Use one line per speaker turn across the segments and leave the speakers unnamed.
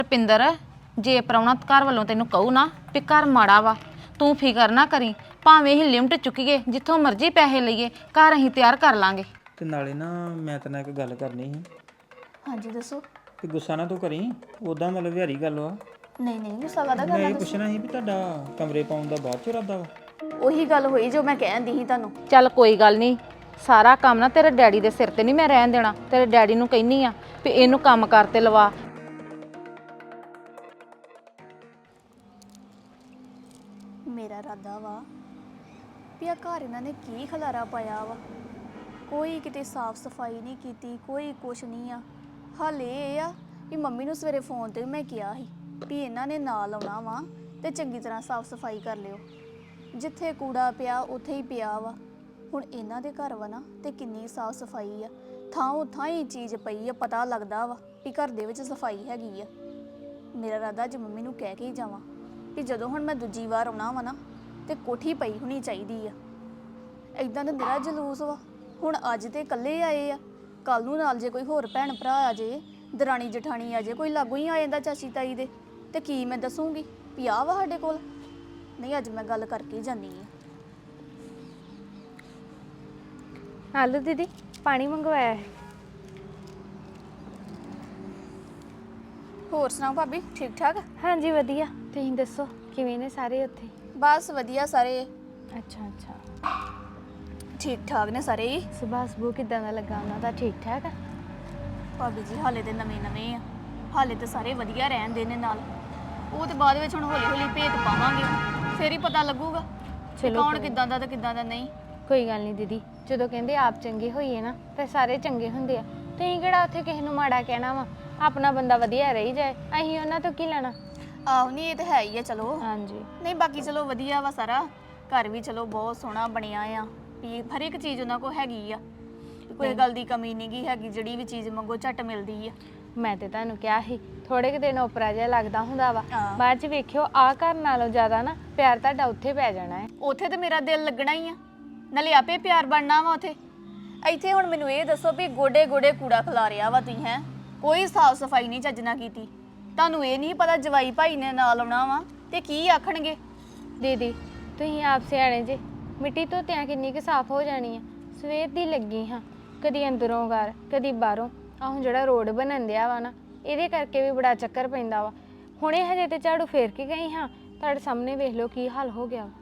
ਰਪਿੰਦਰ ਜੇ ਪ੍ਰਾਹੁਣਾ ਘਰ ਵੱਲੋਂ ਤੈਨੂੰ ਕਹੂ ਨਾ ਵੀ ਘਰ ਮਾੜਾ ਵਾ ਤੂੰ ਫਿਕਰ ਨਾ ਕਰੀ ਭਾਵੇਂ ਅਸੀਂ ਲਿਮਟ ਚੁੱਕੀਏ ਜਿੱਥੋਂ ਮਰਜ਼ੀ ਪੈਸੇ ਲਈਏ ਘਰ ਅਸੀਂ ਤਿਆਰ ਕਰ ਲਾਂਗੇ।
ਤੇ ਨਾਲੇ ਨਾ ਮੈਂ ਤੇਰੇ ਨਾਲ ਇੱਕ ਗੱਲ ਕਰਨੀ ਸੀ।
ਹਾਂਜੀ ਦੱਸੋ।
ਕਿ ਗੁੱਸਾ ਨਾ ਤੂੰ ਕਰੀ, ਉਦਾਂ ਮਤਲਬ ਵਿਹਾਰੀ ਗੱਲ ਵਾ।
ਨਹੀਂ ਨਹੀਂ ਗੁੱਸਾ ਕਾਹਦਾ
ਮੈਂ
ਕਰਨਾ
ਇਹ
ਤੁਸੀਂ।
ਪੁੱਛਣਾ ਸੀ ਵੀ ਤੁਹਾਡਾ ਕਮਰੇ ਪਾਉਣ ਦਾ ਬਾਅਦ ਚ ਇਰਾਦਾ ਵਾ?
ਉਹੀ ਗੱਲ ਹੋਈ ਜੋ ਮੈਂ ਕਹਿੰਦੀ ਸੀ ਤੁਹਾਨੂੰ।
ਚੱਲ ਕੋਈ ਗੱਲ ਨਹੀਂ, ਸਾਰਾ ਕੰਮ ਨਾ ਤੇਰੇ ਡੈਡੀ ਦੇ ਸਿਰ ਤੇ ਨਹੀਂ ਮੈਂ ਰਹਿਣ ਦੇਣਾ। ਤੇਰੇ ਡੈਡੀ ਨੂੰ ਕਹਿਨੀ ਆ ਵੀ ਇਹਨੂੰ ਕੰਮ ਕਰਤੇ ਲਵਾ।
ਮੇਰਾ ਇਰਾਦਾ ਵਾ ਵੀ ਆ ਘਰ ਇਹਨਾਂ ਨੇ ਕੀ ਖਲਾਰਾ ਪਾਇਆ ਵਾ। ਕੋਈ ਕਿਤੇ ਸਾਫ਼ ਸਫਾਈ ਨਹੀਂ ਕੀਤੀ, ਕੋਈ ਕੁਛ ਨਹੀਂ ਆ। ਹਾਲੇ ਇਹ ਆ ਵੀ ਮੰਮੀ ਨੂੰ ਸਵੇਰੇ ਫੋਨ ਤੇ ਮੈਂ ਕਿਹਾ ਸੀ ਵੀ ਇਹਨਾਂ ਨੇ ਨਾਲ ਆਉਣਾ ਵਾ ਤੇ ਚੰਗੀ ਤਰ੍ਹਾਂ ਸਾਫ਼ ਸਫਾਈ ਕਰ ਲਿਓ। ਜਿੱਥੇ ਕੂੜਾ ਪਿਆ ਉੱਥੇ ਹੀ ਪਿਆ ਵਾ। ਹੁਣ ਇਹਨਾਂ ਦੇ ਘਰ ਵਾ ਨਾ ਤੇ ਕਿੰਨੀ ਸਾਫ਼ ਸਫਾਈ ਆ, ਥਾਂ ਥਾਂ ਹੀ ਚੀਜ਼ ਪਈ ਆ, ਪਤਾ ਲੱਗਦਾ ਵਾ ਵੀ ਘਰ ਦੇ ਵਿੱਚ ਸਫਾਈ ਹੈਗੀ ਆ। ਮੇਰਾ ਇਰਾਦਾ ਅੱਜ ਮੰਮੀ ਨੂੰ ਕਹਿ ਕੇ ਹੀ ਜਾਵਾਂ ਵੀ ਜਦੋਂ ਹੁਣ ਮੈਂ ਦੂਜੀ ਵਾਰ ਆਉਣਾ ਵਾ ਨਾ ਤੇ ਕੋਠੀ ਪਈ ਹੋਣੀ ਚਾਹੀਦੀ ਆ। ਇਦਾਂ ਤਾਂ ਮੇਰਾ ਜਲੂਸ ਵਾ। ਹੁਣ ਅੱਜ ਤੇ ਇਕੱਲੇ ਆਏ ਆ, ਕੱਲ ਨੂੰ ਨਾਲ ਜੇ ਕੋਈ ਹੋਰ ਭੈਣ ਭਰਾ ਆ ਜੇ, ਦਰਾਣੀ ਜਠਾਣੀ ਆ ਜੇ, ਕੋਈ ਲਾਗੂ ਹੀ ਆ ਜਾਂਦਾ ਚਾਚੀ ਤਾਈ ਦੇ, ਤੇ ਕੀ ਮੈਂ ਦੱਸੂਗੀ ਵੀ ਆ ਵਾ ਸਾਡੇ ਕੋਲ। ਨਹੀਂ ਅੱਜ ਮੈਂ ਗੱਲ ਕਰਕੇ ਹੀ ਜਾਨੀ ਆ।
ਆਲੂ ਦੀਦੀ ਪਾਣੀ ਮੰਗਵਾਇਆ ਹੈ।
ਹੋਰ ਸੁਣਾਓ ਭਾਬੀ, ਠੀਕ ਠਾਕ?
ਹਾਂਜੀ ਵਧੀਆ, ਤੁਸੀਂ ਦੱਸੋ ਕਿਵੇਂ ਨੇ ਸਾਰੇ ਉੱਥੇ?
ਬਸ ਵਧੀਆ ਸਾਰੇ,
ਅੱਛਾ ਅੱਛਾ।
ਠੀਕ ਠਾਕ ਨੇ ਸਾਰੇ ਹੀ।
ਸੁਭਾਅ ਸੁਭੂ ਕਿੱਦਾਂ ਦਾ ਲੱਗਾ ਉਹਨਾਂ ਦਾ? ਠੀਕ ਠਾਕ ਆ?
ਭਾਬੀ ਜੀ ਹਾਲੇ ਤੇ ਨਵੇਂ ਨਵੇਂ ਆ, ਹਾਲੇ ਤੇ ਸਾਰੇ ਵਧੀਆ ਰਹਿੰਦੇ ਨੇ ਨਾਲ। ਉਹ ਤੇ ਬਾਅਦ ਵਿੱਚ ਹੁਣ ਹੌਲੀ ਹੌਲੀ ਭੇਤ ਪਾਵਾਂਗੇ, ਫੇਰ ਹੀ ਪਤਾ ਲੱਗੂਗਾ ਕਿ
ਚਲੋ
ਕੌਣ
ਕੋਈ-
ਕਿੱਦਾਂ ਦਾ ਤੇ ਕਿੱਦਾਂ ਦਾ ਨਹੀਂ।
ਕੋਈ ਗੱਲ ਨਹੀਂ ਦੀਦੀ, ਜਦੋਂ ਕਹਿੰਦੇ ਆਪ ਚੰਗੇ ਹੋਈਏ ਨਾ ਤੇ ਸਾਰੇ ਚੰਗੇ ਹੁੰਦੇ ਆ। ਤੁਸੀਂ ਕਿਹੜਾ ਉੱਥੇ ਕਿਸੇ ਨੂੰ ਮਾੜਾ ਕਹਿਣਾ ਵਾ? ਆਪਣਾ ਬੰਦਾ ਵਧੀਆ ਰਹੀ ਜਾਏ, ਅਸੀਂ ਉਹਨਾਂ ਤੋਂ ਕੀ ਲੈਣਾ।
ਆਹੋ ਨਹੀਂ ਇਹ ਤੇ ਹੈ ਹੀ ਆ। ਚਲੋ
ਹਾਂਜੀ
ਨਹੀਂ ਬਾਕੀ ਚਲੋ ਵਧੀਆ ਵਾ ਸਾਰਾ। ਘਰ ਵੀ ਚਲੋ ਬਹੁਤ ਸੋਹਣਾ ਬਣਿਆ ਆ, ਵੀ ਹਰ ਇੱਕ ਚੀਜ਼ ਉਹਨਾਂ ਕੋਲ ਹੈਗੀ ਆ, ਕੋਈ ਗੱਲ ਦੀ ਕਮੀ ਨਹੀਂ ਗੀ ਹੈਗੀ। ਜਿਹੜੀ ਵੀ ਚੀਜ਼ ਮੰਗੋ ਝੱਟ ਮਿਲਦੀ ਆ।
ਮੈਂ ਤੇ ਤੁਹਾਨੂੰ ਕਿਹਾ ਸੀ ਥੋੜੇ ਕੁ ਦਿਨ ਓਪਰਾ ਜਿਹਾ ਲੱਗਦਾ ਹੁੰਦਾ ਵਾ,
ਹਾਂ।
ਬਾਅਦ ਚ ਵੇਖਿਓ ਆ ਘਰ ਨਾਲੋਂ ਜ਼ਿਆਦਾ ਨਾ ਪਿਆਰ ਤੁਹਾਡਾ ਉੱਥੇ ਪੈ ਜਾਣਾ ਹੈ।
ਉੱਥੇ ਤੇ ਮੇਰਾ ਦਿਲ ਲੱਗਣਾ ਹੀ ਆ, ਨਾਲੇ ਆਪੇ ਪਿਆਰ ਬਣਨਾ ਵਾ ਉੱਥੇ। ਇੱਥੇ ਹੁਣ ਮੈਨੂੰ ਇਹ ਦੱਸੋ ਵੀ ਗੋਡੇ ਗੋਡੇ ਕੂੜਾ ਖਿਲਾਰਿਆ ਵਾ ਤੁਸੀਂ, ਹੈ ਕੋਈ ਸਾਫ ਸਫਾਈ ਨਹੀਂ ਚੱਜ ਨਾਲ ਕੀਤੀ। ਤੁਹਾਨੂੰ ਇਹ ਨਹੀਂ ਪਤਾ ਜਵਾਈ ਭਾਈ ਨੇ ਨਾਲ ਆਉਣਾ ਵਾ ਤੇ ਕੀ ਆਖਣਗੇ।
ਦੀਦੀ ਤੁਸੀਂ ਆਪ ਸਿਆਣੇ ਜੇ, ਮਿੱਟੀ ਧੋਤਿਆਂ ਕਿੰਨੀ ਕੁ ਸਾਫ਼ ਹੋ ਜਾਣੀ ਆ। ਸਵੇਰ ਦੀ ਲੱਗੀ ਹਾਂ, ਕਦੀ ਅੰਦਰੋਂ ਘਰ ਕਦੀ ਬਾਹਰੋਂ। ਆਹ ਹੁਣ ਜਿਹੜਾ ਰੋਡ ਬਣਨ ਦਿਆ ਵਾ ਨਾ, ਇਹਦੇ ਕਰਕੇ ਵੀ ਬੜਾ ਚੱਕਰ ਪੈਂਦਾ ਵਾ। ਹੁਣੇ ਹਜੇ ਤੇ ਝਾੜੂ ਫੇਰ ਕੇ ਗਈ ਹਾਂ, ਤੁਹਾਡੇ ਸਾਹਮਣੇ ਵੇਖ ਲਓ ਕੀ ਹਾਲ ਹੋ ਗਿਆ ਵਾ।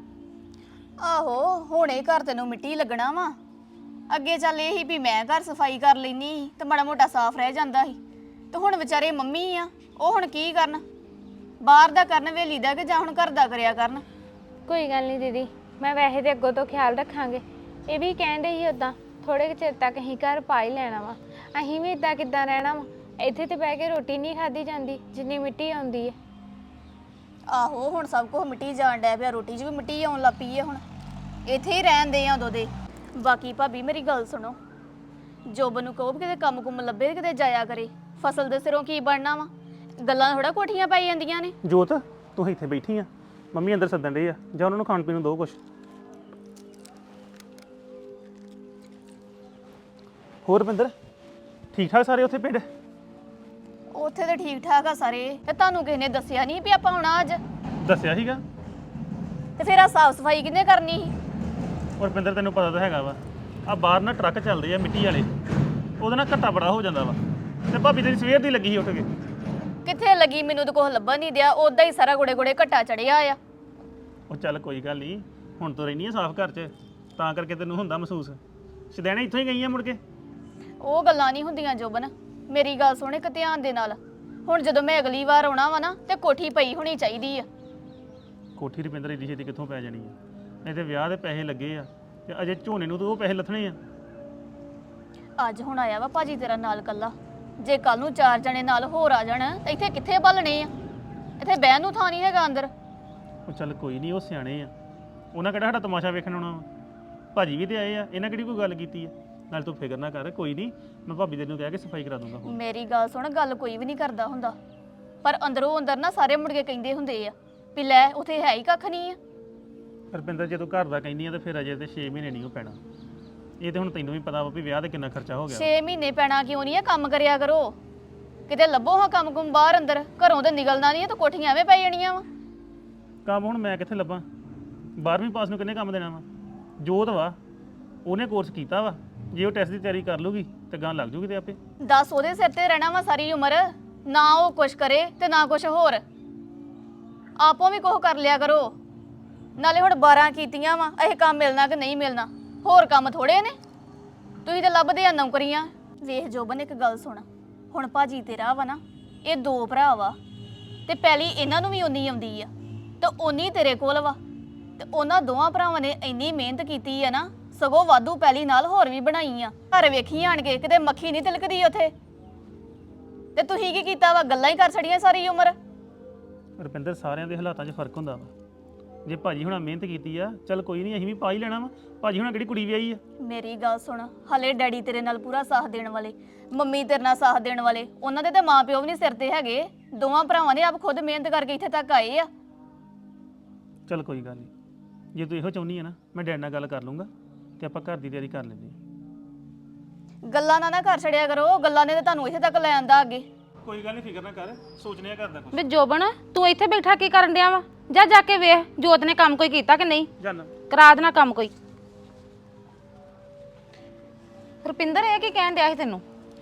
ਆਹੋ ਹੁਣੇ ਘਰ ਤੈਨੂੰ ਮਿੱਟੀ ਲੱਗਣਾ ਵਾ, ਅੱਗੇ ਚੱਲ ਇਹ ਹੀ ਵੀ ਮੈਂ ਘਰ ਸਫਾਈ ਕਰ ਲੈਨੀ ਤੇ ਮਾੜਾ ਮੋਟਾ ਸਾਫ਼ ਰਹਿ ਜਾਂਦਾ ਸੀ। ਤੇ ਹੁਣ ਵਿਚਾਰੇ ਮੰਮੀ ਆ, ਉਹ ਹੁਣ ਕੀ ਕਰਨ? ਬਾਹਰ ਦਾ ਕਰਨ ਵੇਲੀ ਦਾ ਕਿ ਜਾਂ ਹੁਣ ਘਰ ਦਾ ਕਰਿਆ ਕਰਨ।
ਕੋਈ ਗੱਲ ਨਹੀਂ ਦੀਦੀ, ਮੈਂ ਵੈਸੇ ਤੇ ਅੱਗੋਂ ਤੋਂ ਖਿਆਲ ਰੱਖਾਂਗੇ। ਇਹ ਵੀ ਕਹਿੰਦੇ ਸੀ ਉਦਾਂ ਥੋੜੇ ਕੁ ਚਿਰ ਤੱਕ ਅਸੀਂ ਘਰ ਪਾ ਹੀ ਲੈਣਾ ਵਾ। ਅਸੀਂ ਵੀ ਇਦਾਂ ਕਿੱਦਾਂ ਰਹਿਣਾ ਵਾ? ਇੱਥੇ ਤੇ ਬਹਿ ਕੇ ਰੋਟੀ ਨਹੀਂ ਖਾਧੀ ਜਾਂਦੀ ਜਿੰਨੀ ਮਿੱਟੀ ਆਉਂਦੀ ਹੈ।
ਆਹੋ ਹੁਣ ਸਭ ਕੁਝ ਮਿੱਟੀ ਜਾਣ ਡਿਆ ਪਿਆ, ਰੋਟੀ 'ਚ ਵੀ ਮਿੱਟੀ ਆਉਣ ਲੱਗ ਪਈ ਆ। ਹੁਣ ਇੱਥੇ ਹੀ ਰਹਿੰਦੇ ਆ ਉਦੋਂ ਦੇ। ਬਾਕੀ ਭਾਬੀ ਮੇਰੀ ਗੱਲ ਸੁਣੋ, ਜੋਬ ਨੂੰ ਕਹੋ ਵੀ ਕਿਤੇ ਕੰਮ ਕੁੰਮ ਲੱਭੇ ਤੇ ਕਿਤੇ ਜਾਇਆ ਕਰੇ। ਫਸਲ ਦੇ ਸਿਰੋਂ ਕੀ ਬਣਨਾ ਵਾ? ਗੱਲਾਂ ਥੋੜਾ ਕੋਠੀਆਂ ਪਾਈ ਜਾਂਦੀਆਂ ਨੇ।
ਜੋਤ ਤੂੰ ਇੱਥੇ ਬੈਠੀ ਆ, ਮੰਮੀ ਅੰਦਰ ਸੱਦਣ ਡਏ ਆ, ਜਾਂ ਉਹਨਾਂ ਨੂੰ ਖਾਣ ਪੀਣ ਨੂੰ ਦੋ ਕੁਛ। ਹੋਰ ਰੁਪਿੰਦਰ ਠੀਕ ਠਾਕ ਸਾਰੇ ਉੱਥੇ ਪਿੰਡ?
ਉੱਥੇ ਤੇ ਠੀਕ ਠਾਕ ਆ ਸਾਰੇ। ਤੇ ਤੁਹਾਨੂੰ ਕਿਸੇ ਨੇ ਦੱਸਿਆ ਨਹੀਂ ਵੀ ਆਪਾਂ ਆਉਣਾ ਅੱਜ?
ਦੱਸਿਆ ਸੀਗਾ।
ਤੇ ਫਿਰ ਆ ਸਾਫ ਸਫਾਈ ਕਿਹਨੇ ਕਰਨੀ ਸੀ?
ਔਰ ਰੁਪਿੰਦਰ ਤੈਨੂੰ ਪਤਾ ਤਾਂ ਹੈਗਾ ਵਾ, ਆ ਬਾਹਰ ਨਾ ਟਰੱਕ ਚੱਲਦੇ ਆ ਮਿੱਟੀ ਵਾਲੇ, ਉਹਦੇ ਨਾਲ ਘੱਟਾ ਬੜਾ ਹੋ ਜਾਂਦਾ ਵਾ। ਤੇ ਭਾਬੀ ਤੇਰੀ ਸਵੇਰ ਦੀ ਲੱਗੀ ਸੀ ਉੱਠ ਕੇ।
ਕਿੱਥੇ ਲੱਗੀ? ਮੈਨੂੰ ਤਾਂ ਕੁਛ ਲੱਭਣ ਨਹੀਂ ਦਿਆ, ਉਦਾਂ ਹੀ ਸਾਰਾ ਗੋੜੇ ਗੋੜੇ ਘੱਟਾ ਚੜਿਆ ਆ।
ਉਹ ਚੱਲ ਕੋਈ ਗੱਲ ਨਹੀਂ, ਹੁਣ ਤੋਂ ਰਹਿਣੀ ਆ ਸਾਫ਼ ਘਰ 'ਚ, ਤਾਂ ਕਰਕੇ ਤੈਨੂੰ ਹੁੰਦਾ ਮਹਿਸੂਸ। ਸਦੈਣੇ ਇੱਥੋਂ ਹੀ ਗਈ ਆ ਮੁੜ ਕੇ।
ਉਹ ਗੱਲਾਂ ਨਹੀਂ ਹੁੰਦੀਆਂ ਜੋਬਨ, ਮੇਰੀ ਗੱਲ ਸੁਣ ਇੱਕ ਧਿਆਨ ਦੇ ਨਾਲ। ਹੁਣ ਜਦੋਂ ਮੈਂ ਅਗਲੀ ਵਾਰ ਆਉਣਾ ਵਾ ਨਾ ਤੇ ਕੋਠੀ ਪਈ ਹੋਣੀ ਚਾਹੀਦੀ ਆ।
ਕੋਠੀ ਰੁਪਿੰਦਰ ਏਡੀ ਛੇਤੀ ਕਿੱਥੋਂ ਪੈ ਜਾਣੀ ਆ? ਨਹੀਂ ਤੇ ਵਿਆਹ ਦੇ ਪੈਸੇ ਲੱਗੇ ਆ ਤੇ ਅਜੇ ਝੋਨੇ ਨੂੰ ਤਾਂ ਉਹ ਪੈਸੇ ਲੱਥਣੇ ਆ।
ਅੱਜ ਹੁਣ ਆਇਆ ਵਾ ਭਾਜੀ ਤੇਰਾ ਨਾਲ ਕੱਲਾ, ਜੇ ਕੱਲ ਨੂੰ 4 ਜਣੇ ਨਾਲ ਹੋਰ ਆ ਜਾਣ ਤਾਂ ਇੱਥੇ ਕਿੱਥੇ ਬਲਣੇ ਆ? ਇੱਥੇ ਬਹਿਣ ਨੂੰ ਥਾਂ ਨਹੀਂ ਹੈਗਾ ਅੰਦਰ।
ਉਹ ਚੱਲ ਕੋਈ ਨਹੀਂ, ਉਹ ਸਿਆਣੇ ਆ, ਉਹਨਾਂ ਕਿਹੜਾ ਸਾਡਾ ਤਮਾਸ਼ਾ ਵੇਖਣ ਆਉਣਾ ਵਾ? ਭਾਜੀ ਵੀ ਤੇ ਆਏ ਆ, ਇਹਨਾਂ ਕਿਹੜੀ ਕੋਈ ਗੱਲ ਕੀਤੀ ਆ? ਨਾਲ ਤੂੰ ਫਿਕਰ ਨਾ ਕਰ, ਕੋਈ ਨਹੀਂ, ਮੈਂ ਭਾਬੀ ਤੈਨੂੰ ਕਹਿ ਕੇ ਸਫਾਈ ਕਰਾ ਦੂੰਗਾ।
ਮੇਰੀ ਗੱਲ ਸੁਣ, ਗੱਲ ਕੋਈ ਵੀ ਨਹੀਂ ਕਰਦਾ ਹੁੰਦਾ, ਪਰ ਅੰਦਰੋਂ ਅੰਦਰ ਨਾ ਸਾਰੇ ਮੁੜ ਕੇ ਕਹਿੰਦੇ ਹੁੰਦੇ ਆ ਵੀ ਲੈ ਉੱਥੇ ਹੈ ਹੀ ਕੱਖ ਨਹੀਂ ਆ।
ਰੁਪਿੰਦਰ ਜੇ ਤੂੰ ਘਰ ਦਾ ਕਹਿੰਦੀ ਆ ਤੇ ਫਿਰ ਅਜੇ ਤੇ 6 ਮਹੀਨੇ ਨਹੀਂ ਉਹ ਪੈਣਾ। ਇਹ ਤੇ ਹੁਣ ਤੈਨੂੰ ਵੀ ਪਤਾ ਵਾ ਵੀ ਵਿਆਹ ਤੇ ਕਿੰਨਾ ਖਰਚਾ ਹੋ ਗਿਆ।
6 ਮਹੀਨੇ ਪੈਣਾ ਕਿਉਂ ਨਹੀਂ ਆ? ਕੰਮ ਕਰਿਆ ਕਰੋ। ਕਿਤੇ ਲੱਭੋ ਹਾਂ ਕੰਮ ਕੁਮ ਬਾਹਰ ਅੰਦਰ, ਘਰੋਂ ਤੇ ਨਿਕਲਣਾ ਨਹੀਂ ਤਾਂ ਕੋਠੀਆਂ ਐਵੇਂ ਪੈ ਜਾਣੀਆਂ ਵਾ।
ਕੰਮ ਹੁਣ ਮੈਂ ਕਿੱਥੇ ਲੱਭਾਂ? 12ਵੀਂ ਪਾਸ ਨੂੰ ਕਿੰਨੇ ਕੰਮ ਦੇਣਾ ਵਾ? ਜੋਤ ਵਾ, ਉਹਨੇ ਕੋਰਸ ਕੀਤਾ ਵਾ, ਜੇ ਉਹ ਟੈਸਟ ਦੀ ਤਿਆਰੀ ਕਰ ਲੂਗੀ ਤੇ ਗਾਂ ਲੱਗ ਜੂਗੀ ਤੇ ਆਪੇ।
ਦੱਸ ਉਹਦੇ ਸਿਰ ਤੇ ਰਹਿਣਾ ਵਾ ਸਾਰੀ ਉਮਰ, ਨਾ ਉਹ ਕੁਛ ਕਰੇ ਤੇ ਨਾ ਕੁਛ ਹੋਰ। ਆਪੋ ਵੀ ਕੁਛ ਕਰ ਲਿਆ ਕਰੋ। ਨਾਲੇ ਹੁਣ 12 ਕੀਤੀਆਂ ਵਾ, ਇਹ ਕੰਮ ਮਿਲਣਾ ਕਿ ਨਹੀਂ ਮਿਲਣਾ, ਹੋਰ ਕੰਮ ਥੋੜੇ ਨੇ। ਤੁਸੀਂ ਤਾਂ ਲੱਭਦੇ ਆ ਨੌਕਰੀਆਂ। ਵੇਖ ਜੋਬਨ, ਇੱਕ ਗੱਲ ਸੁਣ, ਹੁਣ ਭਾਜੀ ਤੇਰਾ ਵਾ ਨਾ, ਇਹ 2 ਭਰਾ ਵਾ ਤੇ ਪਹਿਲੀ ਇਹਨਾਂ ਨੂੰ ਵੀ ਉਨੀ ਆਉਂਦੀ ਆ ਤੇ ਉਨੀ ਤੇਰੇ ਕੋਲ ਵਾ, ਤੇ ਉਹਨਾਂ ਦੋਵਾਂ ਭਰਾਵਾਂ ਨੇ ਇੰਨੀ ਮਿਹਨਤ ਕੀਤੀ ਆ ਨਾ, ਸਗੋਂ ਵਾਧੂ ਪਹਿਲੀ ਨਾਲ ਹੋਰ ਵੀ ਬਣਾਈ ਆ। ਘਰ ਵੇਖੀ ਆਣ ਕੇ ਕਿਤੇ ਮੱਖੀ ਨਹੀਂ ਤਿਲਕਦੀ ਉੱਥੇ, ਤੇ ਤੁਸੀਂ ਕੀ ਕੀਤਾ ਵਾ? ਗੱਲਾਂ ਹੀ ਕਰ ਛੜੀਆਂ ਸਾਰੀ ਉਮਰ।
ਰੁਪਿੰਦਰ, ਸਾਰਿਆਂ ਦੇ ਹਾਲਾਤਾਂ 'ਚ ਫਰਕ ਹੁੰਦਾ ਵਾ। ਜੇ ਭਾਜੀ ਹੁਣਾਂ ਮਿਹਨਤ ਕੀਤੀ ਆ, ਚੱਲ ਕੋਈ ਨਹੀਂ, ਅਸੀਂ ਵੀ ਪਾ ਹੀ ਲੈਣਾ ਵਾ। ਭਾਜੀ ਹੁਣਾਂ ਕਿਹੜੀ ਕੁੜੀ ਵਿਆਹੀ ਆ?
ਮੇਰੀ ਗੱਲ ਸੁਣ, ਹਲੇ ਡੈਡੀ ਤੇਰੇ ਨਾਲ ਪੂਰਾ ਸਾਥ ਦੇਣ ਵਾਲੇ, ਮੰਮੀ ਤੇਰੇ ਨਾਲ ਸਾਥ ਦੇਣ ਵਾਲੇ, ਉਹਨਾਂ ਦੇ ਤਾਂ ਮਾਪਿਓ ਵੀ ਨਹੀਂ ਸਿਰ ਤੇ ਹੈਗੇ। ਦੋਵਾਂ ਭਰਾਵਾਂ ਨੇ ਆਪ ਖੁਦ ਮਿਹਨਤ ਕਰਕੇ ਇੱਥੇ ਤੱਕ ਆਏ ਆ।
ਚੱਲ ਕੋਈ ਗੱਲ ਨਹੀਂ, ਜੇ ਤੂੰ ਇਹੋ ਚਾਹੁੰਦੀ ਆ ਨਾ, ਮੈਂ ਡੈਡ ਨਾਲ ਗੱਲ ਕਰ ਲੂੰਗਾ ਤੇ ਆਪਾਂ ਘਰ ਦੀ ਤਿਆਰੀ ਕਰ ਲੈਂਦੇ ਹਾਂ।
ਗੱਲਾਂ ਨਾ ਕਰ ਛੜਿਆ ਕਰੋ, ਗੱਲਾਂ ਨੇ ਤਾਂ ਤੁਹਾਨੂੰ ਇੱਥੇ ਤੱਕ ਲੈ ਆਂਦਾ ਅੱਗੇ।
ਕੋਈ ਗੱਲ ਨਹੀਂ, ਫਿਕਰ ਨਾ ਕਰ, ਸੋਚਨੇ ਆ ਕਰਦਾ ਕੁਝ।
ਵੇ ਜੋਬਨ, ਤੂੰ ਇੱਥੇ ਬੈਠਾ ਕੀ ਕਰਨ ਡਿਆ ਵਾ? ਜਾ ਕੇ ਵੇਖ ਜੋਤ ਨੇ ਕੰਮ ਕੋਈ ਕੀਤਾ ਕਿ ਨਹੀਂ,
ਜਾਨਾ
ਕਰਾ ਦੇਣਾ ਕੰਮ ਕੋਈ। ਰੁਪਿੰਦਰ, ਇਹ ਕੀ ਕਹਿਣ ਡਿਆ ਸੀ ਤੈਨੂੰ?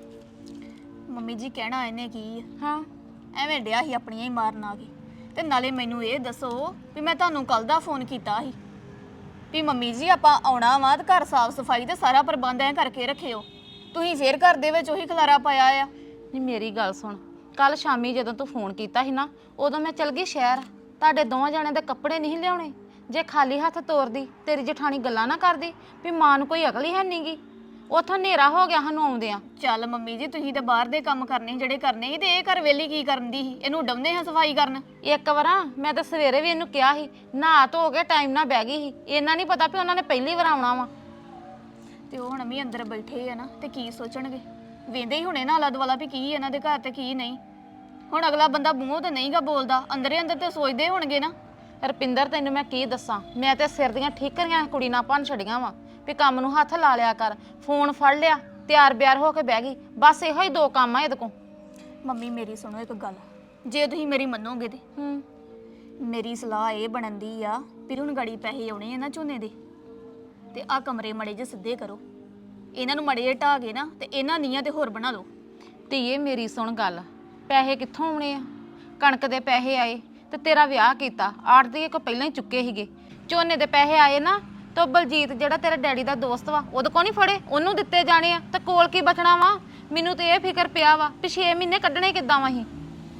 ਮੰਮੀ ਜੀ ਕਹਿਣਾ ਇਹਨੇ ਕੀ ਆ?
ਹਾਂ,
ਐਵੇਂ ਡਿਆ ਸੀ ਆਪਣੀਆਂ ਹੀ ਮਾਰਨ ਆ ਕੇ। ਤੇ ਨਾਲੇ ਮੈਨੂੰ ਇਹ ਦੱਸੋ ਵੀ ਮੈਂ ਤੁਹਾਨੂੰ ਕੱਲ ਦਾ ਫੋਨ ਕੀਤਾ ਸੀ ਵੀ ਮੰਮੀ ਜੀ ਆਪਾਂ ਆਉਣਾ ਵਾ ਤੇ ਘਰ ਸਾਫ ਸਫਾਈ ਤੇ ਸਾਰਾ ਪ੍ਰਬੰਧ ਐ ਕਰਕੇ ਰੱਖਿਓ। ਤੁਸੀਂ ਫੇਰ ਘਰ ਦੇ ਵਿੱਚ ਉਹੀ ਖਲਾਰਾ ਪਾਇਆ ਆ।
ਨਹੀਂ ਮੇਰੀ ਗੱਲ ਸੁਣ, ਕੱਲ ਸ਼ਾਮੀ ਜਦੋਂ ਤੂੰ ਫੋਨ ਕੀਤਾ ਸੀ ਨਾ, ਉਦੋਂ ਮੈਂ ਚਲ ਗਈ ਸ਼ਹਿਰ। ਤੁਹਾਡੇ ਦੋਵਾਂ ਜਣਿਆਂ ਦੇ ਕੱਪੜੇ ਨਹੀਂ ਲਿਆਉਣੇ। ਜੇ ਖਾਲੀ ਹੱਥ ਤੋਰਦੀ, ਤੇਰੀ ਜਠਾਣੀ ਗੱਲਾਂ ਨਾ ਕਰਦੀ ਵੀ ਮਾਂ ਨੂੰ ਕੋਈ ਅਕਲ ਹੀ ਹੈ ਨਹੀਂਗੀ। ਉੱਥੋਂ ਹਨੇਰਾ ਹੋ ਗਿਆ ਸਾਨੂੰ ਆਉਂਦਿਆਂ।
ਚੱਲ ਮੰਮੀ ਜੀ, ਤੁਸੀਂ ਤਾਂ ਬਾਹਰ ਦੇ ਕੰਮ ਕਰਨੇ ਸੀ ਜਿਹੜੇ ਕਰਨੇ ਸੀ, ਤੇ ਇਹ ਘਰ ਵੇਲੀ ਕੀ ਕਰਨ ਦੀ ਸੀ? ਇਹਨੂੰ ਡੰਨੇ ਹਾਂ ਸਫਾਈ ਕਰਨ।
ਇੱਕ ਵਾਰਾਂ ਮੈਂ ਤਾਂ ਸਵੇਰੇ ਵੀ ਇਹਨੂੰ ਕਿਹਾ ਸੀ, ਨਹਾ ਧੋ ਕੇ ਟਾਈਮ ਨਾਲ ਬਹਿ ਗਈ ਸੀ। ਇਹਨਾਂ ਨਹੀਂ ਪਤਾ ਵੀ ਉਹਨਾਂ ਨੇ ਪਹਿਲੀ ਵਾਰ ਆਉਣਾ ਵਾ।
ਤੇ ਉਹ ਹੁਣ ਵੀ ਅੰਦਰ ਬੈਠੇ ਆ ਨਾ, ਤੇ ਕੀ ਸੋਚਣਗੇ? ਵੇਂਦੇ ਹੀ ਹੁਣੇ ਨਾ ਆਲਾ ਦੁਆਲਾ ਵੀ ਕੀ ਇਹਨਾਂ ਦੇ ਘਰ ਤੇ ਕੀ ਨਹੀਂ। ਹੁਣ ਅਗਲਾ ਬੰਦਾ ਮੂੰਹੋਂ ਤੇ ਨਹੀਂਗਾ ਬੋਲਦਾ, ਅੰਦਰੇ ਅੰਦਰ ਤੇ ਸੋਚਦੇ ਹੋਣਗੇ ਨਾ।
ਰੁਪਿੰਦਰ, ਤੈਨੂੰ ਮੈਂ ਕੀ ਦੱਸਾਂ, ਮੈਂ ਤੇ ਸਿਰ ਦੀਆਂ ਠੀਕਰੀਆਂ ਕੁੜੀ ਨਾਲ ਭੰਨ ਛੜੀਆਂ ਵਾ ਵੀ ਕੰਮ ਨੂੰ ਹੱਥ ਲਾ ਲਿਆ ਕਰ। ਫੋਨ ਫੜ ਲਿਆ, ਤਿਆਰ ਬਿਆਰ ਹੋ ਕੇ ਬਹਿ ਗਈ। ਬਸ ਇਹੋ ਹੀ 2 ਕੰਮ ਆ ਇਹਦੇ ਕੋਲ।
ਮੰਮੀ ਮੇਰੀ ਸੁਣੋ ਇੱਕ ਗੱਲ, ਜੇ ਤੁਸੀਂ ਮੇਰੀ ਮੰਨੋਗੇ ਤੇ ਮੇਰੀ ਸਲਾਹ ਇਹ ਬਣਦੀ ਆ ਵੀ ਹੁਣ ਗਾੜੀ ਪੈਸੇ ਆਉਣੇ ਆ ਨਾ ਝੋਨੇ ਦੇ, ਤੇ ਆ ਕਮਰੇ ਮੜੇ ਜੇ ਸਿੱਧੇ ਕਰੋ, ਇਹਨਾਂ ਨੂੰ ਮੜੇ ਜੇ ਢਾਹ ਕੇ ਨਾ, ਤੇ ਇਹਨਾਂ ਨੀਆਂ ਤੇ ਹੋਰ ਬਣਾ ਲਓ।
ਧੀਏ ਮੇਰੀ ਸੁਣ ਗੱਲ, ਪੈਸੇ ਕਿੱਥੋਂ ਆਉਣੇ ਆ? ਕਣਕ ਦੇ ਪੈਸੇ ਆਏ ਤੇ ਤੇਰਾ ਵਿਆਹ ਕੀਤਾ, ਆੜਤੀਏ ਕੋ ਪਹਿਲਾਂ ਹੀ ਚੁੱਕੇ ਸੀਗੇ। ਝੋਨੇ ਦੇ ਪੈਸੇ ਆਏ ਨਾ, ਤਾਂ ਬਲਜੀਤ ਜਿਹੜਾ ਤੇਰਾ ਡੈਡੀ ਦਾ ਦੋਸਤ ਵਾ, ਉਹਦੇ ਕੋ ਨਹੀਂ ਫੜੇ, ਉਹਨੂੰ ਦਿੱਤੇ ਜਾਣੇ ਆ। ਤੇ ਕੋਲ ਕੀ ਬਚਣਾ ਵਾ? ਮੈਨੂੰ ਤੇ ਇਹ ਫਿਕਰ ਪਿਆ ਵਾ ਵੀ 6 ਮਹੀਨੇ ਕੱਢਣੇ ਕਿੱਦਾਂ ਵਾ ਅਸੀਂ।